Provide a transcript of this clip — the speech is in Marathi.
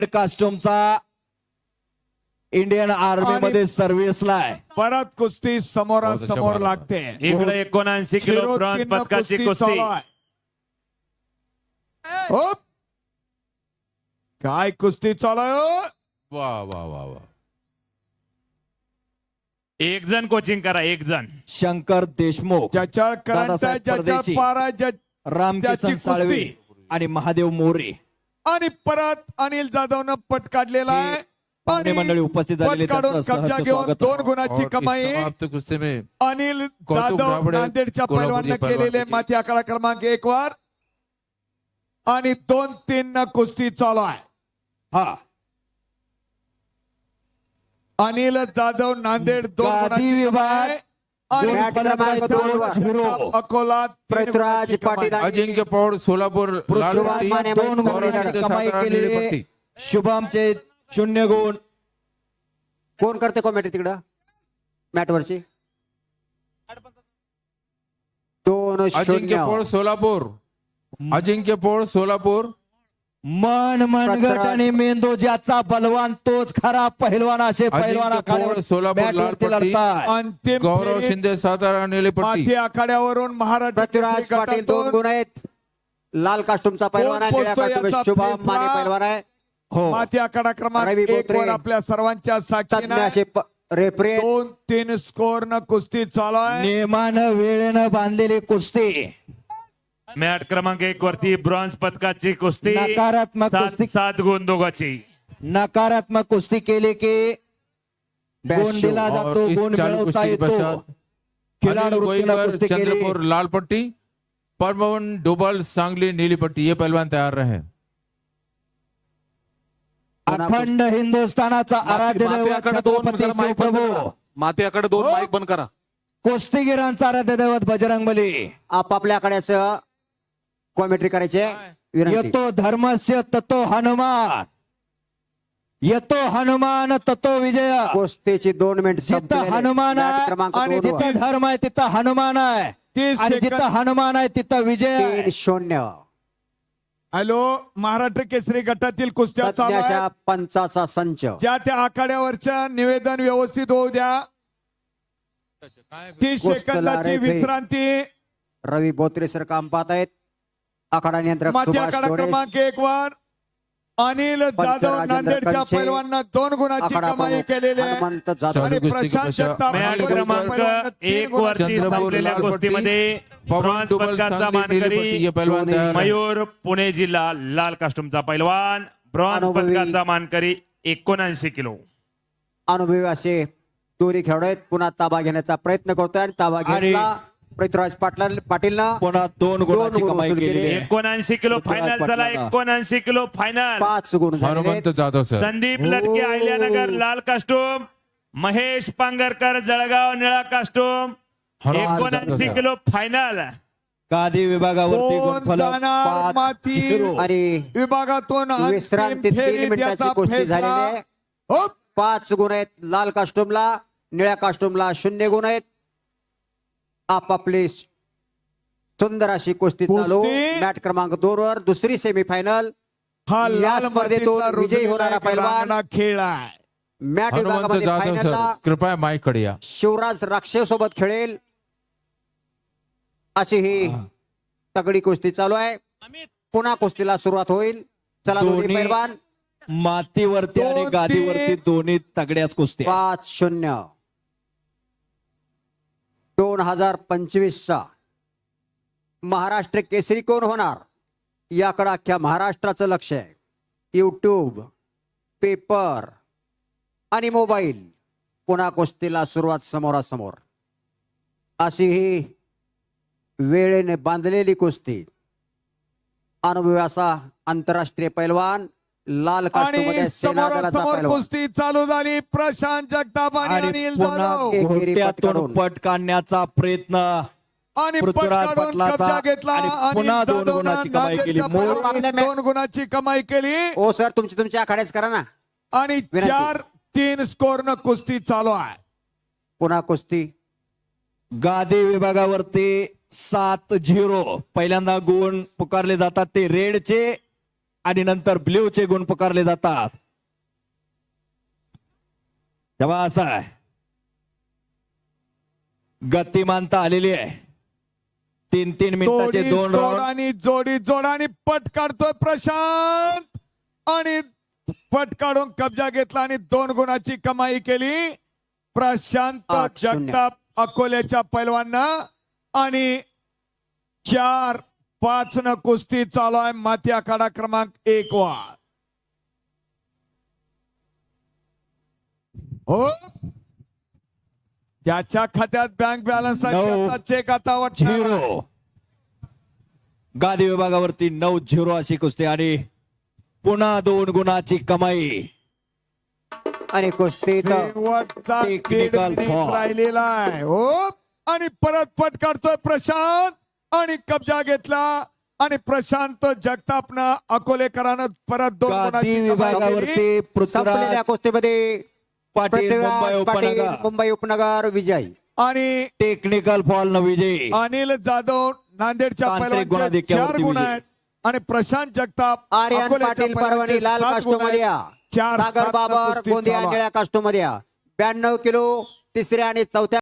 कास्ट्यूमचा इंडियन आर्मी मध्ये सर्व्हिसला आहे. परत कुस्ती समोरासमोर लागते. इकडे 79 किलो ब्रॉन्झ पदकाची कुस्ती. हो. काय कुस्ती चालू आहे हो? वा वा वा वा. एक जण कोचिंग करा, एक जण. शंकर देशमुख, ज्याच्या करंट दादासाहेब ज्याच्या परदेशी, पारा रामकिसन त्याची साळवे कुस्ती. आणि महादेव मोरे आणि परत अनिल जाधवनं पट काढलेला आहे. पाहुणे आणि मंडळी उपस्थित झालेले पट काढून त्यांचं कब्जा सहर्ष घेऊन स्वागत. 2 गुणाची और कमाई इस समाप्त कुस्ती में अनिल कौतुक जाधव राबडे, नांदेडच्या कोल्हापूरचे पैलवाननं पैलवान केलेले देखील. माती आकडा क्रमांक 1 वर आणि 2-3 न कुस्ती चालू आहे. हा अनिल जाधव नांदेड 2 गादी गुणाची विभाग कमाई. आणि मॅट क्रमांक 2-0. अकोला 3 पृथ्वीराज गुणाची कमाई. पाटील अजिंक्य पौड़ सोलापुर लाल पृथ्वीराज पट्टी, माने 2 गौरव गुणाची शिंदे कमाई सातारा नीली केली. पट्टी. शुभमचे 0 गुण. कोण करते कॉमेंट्री तिकडं मॅट वरची अजिंक्य पौड़ 2-0 सोलापुर, अजिंक्य पौड़ सोलापुर. मन मनगट पत्रास- आणि मेंदू ज्याचा बलवान तोच खरा पहिलवान असे पहिलवान अजिंक्य पौड़ सोलापुर लाल आखाड्यावरती पट्टी, लढताय. अंतिम गौरव फेरीत शिंदे सातारा नीली पट्टी. माती आखाड्यावरून महाराष्ट्र पृथ्वीराज केसरी पाटील 2 गटातून गुण आहेत. लाल कास्टूमचा पैलवान आहे, कोण निळ्या पोचतो कास्टूम याचा शुभम फैसला? माने पैलवान आहे. हो माती आखाडा क्रमांक रवी 1 बोत्रे. वर आपल्या सर्वांच्या तज्ञ साक्षीने असे रेफरी 2-3 स्कोर न कुस्ती चालू आहे. नियमानं वेळेनं बांधलेली कुस्ती. मॅट क्रमांक 1 वरती ब्रॉन्झ पदकाची कुस्ती. नकारात्मक कुस्ती. 7 गुण दोघाची. नकारात्मक कुस्ती केली की गुण दिला और जातो, इस गुण चालू मिळवता कुस्ती के येतो. पश्चात खिलाडू अनिल वृत्तीनं गोईकर कुस्ती केली. चंद्रपुर लाल पट्टी, परमवन डोबल सांगली नीली पट्टी. ये पहलवान तैयार रहे. अखंड हिंदुस्थानाचा आराध्य दैवत छत्रपती शिवप्रभू, मातेकडे 2 माईक बंद करा. कुस्तीगिरांचा आराध्य दैवत बजरंग बली. आपापल्या आकड्याचं कॉमेंट्री करायचे विनंती. येतो धर्मस्य ततो हनुमान, येतो हनुमान ततो विजय. कुस्तीची 2 मिनिट जिथं हनुमान आहे क्रमांक आणि 2 जिथं धर्म आहे तिथं हनुमान आहे 30 आणि जिथं सेकंद. हनुमान आहे तिथं विजय आहे. 3-0 हॅलो, महाराष्ट्र केसरी गटातील कुस्त्या चालू तज्ञाच्या आहेत. पंचाचा संच. ज्या त्या आखाड्यावरच्या निवेदन व्यवस्थित होऊ द्या. 30 कुस्तीला सेकंदाची रेफरी. विश्रांती. रवी बोत्रे सर काम पाहत आहेत. आखाडा नियंत्रक माती सुभाष आखाडा डोळे. क्रमांक 1 वर अनिल जाधव पंचराजेंद्र नांदेडच्या कंचे. पैलवानांना 2 गुणाची आखाडा कमाई प्रमुख केलेली आहे. हनुमंत जाधव. आणि चालू कुस्ती के प्रशांत पश्चात जगताप मॅट अनिल क्रमांक गोईकर, 1 वरती चंद्रपुर संपलेल्या लाल पट्टी, कुस्तीमध्ये पवन ब्रॉन्झ डोबल पदकाचा सांगली नीली पट्टी. मानकरी ये पहलवान तैयार रहे. मयूर पुणे जिल्हा लाल कास्ट्यूमचा पैलवान. ब्रॉन्झ अनुभवी. पदकाचा मानकरी 79 किलो. अनुभवी असे दोरी खेळाडू आहेत. पुन्हा ताबा घेण्याचा प्रयत्न करतोय आणि ताबा आणि घेतला पृथ्वीराज पाटीलनं पुन्हा 2 गुणाची गुण कमाई वसूल केलेली केली. आहे. 79 किलो पृथ्वीराज फायनल चला. पाटलांना. 79 किलो फायनल. 5 गुण झालेले हनुमंत आहेत. जाधव सर. संदीप लटके अहिल्यानगर लाल कास्टूम, महेश पांगरकर जळगाव निळा costume. Hanuman 79 Jadhav. Kilo final. गादी विभागावरती कोण गुणफलक जाणार 5-0. माती? आणि विभागातून अंतिम विश्रांती 3 फेरीत मिनिटाची याचा कुस्ती फैसला. झालेली आहे. हो. 5 गुण आहेत लाल कास्टूमला. निळ्या कास्टूमला 0 गुण आहेत. आपापली सुंदर अशी कुस्ती चालू. कुस्ती. मॅट क्रमांक 2 वर दुसरी सेमीफायनल. हा या लाल स्पर्धेतून मातीचा विजयी होणारा रुजलेला पैलवान. रांगणा खेळ आहे. मॅट हनुमंत विभागामध्ये जाधव फायनलला सर, कृपया माइक कडे या. शिवराज राक्षे सोबत खेळेल अशी ही तगडी कुस्ती चालू आहे. पुन्हा कुस्तीला सुरुवात होईल. चला दोन्ही दोन्ही पैलवान. मातीवरती आणि 2-3. गादीवरती दोन्ही तगड्याच कुस्त्या. 5-0 2025चा महाराष्ट्र केसरी कोण होणार याकडे अख्ख्या महाराष्ट्राचं लक्ष आहे. यूट्यूब, पेपर आणि मोबाईल. पुन्हा कुस्तीला सुरुवात समोरासमोर. अशी ही वेळेने बांधलेली कुस्ती. अनुभवी असा आंतरराष्ट्रीय पैलवान लाल कास्टूमध्ये आणि सेना दलाचा समोरासमोर पैलवान. कुस्ती चालू झाली. प्रशांत जगताप आणि आणि अनिल पुन्हा जाधव. एकेरी घोट्यातून पटकावून. पट काढण्याचा प्रयत्न आणि पृथ्वीराज पटकावून पाटलाचा. कब्जा घेतला. आणि अनिल पुन्हा 2 जाधवनं गुणाची कमाई केली. नांदेडच्या मोर पैलवानाने 2 गुणाची कमाई केली. ओ सर तुमची आखाड्याच करा ना. आणि विनंती. 4-3 स्कोर न कुस्ती चालू आहे. पुन्हा कुस्ती. गादी विभागावरती 7-0 पहिल्यांदा गुण पुकारले जातात ते रेडचे. आणि नंतर ब्ल्यूचे गुण पुकारले जातात. तेव्हा असं आहे, गतिमानता आलेली आहे. 3-3 मिनिटाचे दोन राऊंड. जोडी जोडानी पट काढतोय प्रशांत आणि पट काढून कब्जा घेतला आणि 2 गुणाची कमाई केली प्रशांत 8-0. जगताप अकोल्याच्या पैलवानं. आणि 4-5 न कुस्ती चालू आहे माती आखाडा क्रमांक 1 वर. हो, ज्याच्या खात्यात बँक बॅलन्स आहे 9 त्याचा चेक आता वाटणार आहे. 0. गादी विभागावरती 9-0 अशी कुस्ती आणि पुन्हा 2 गुणाची कमाई. आणि कुस्तीत शेवटचा दीड Technical मिनिट foul. राहिलेला आहे. हो, आणि परत पट काढतोय प्रशांत आणि कब्जा घेतला आणि प्रशांत जगतापनं अकोलेकरानं परत 2 गादी गुणाची कमाई केली. विभागावरती संपलेल्या पृथ्वीराज कुस्तीमध्ये पाटील मुंबई पृथ्वीराज पाटील उपनगर मुंबई उपनगर विजयी. आणि टेक्निकल फॉल न विजयी. अनिल जाधव नांदेडच्या तांत्रिक पैलवानचे गुणाधिक्यावरती 4 गुण विजयी. आहेत आणि प्रशांत जगताप आर्यन अकोल्याच्या पाटील पैलवानचे परभणी लाल 7 गुण कास्टोमध्ये आहेत. या. 4-7 सागर न बाबर कुस्ती गोंदिया चालू आहे. निळ्या कास्टोमध्ये या. 92 किलो 3ऱ्या आणि 4थ्या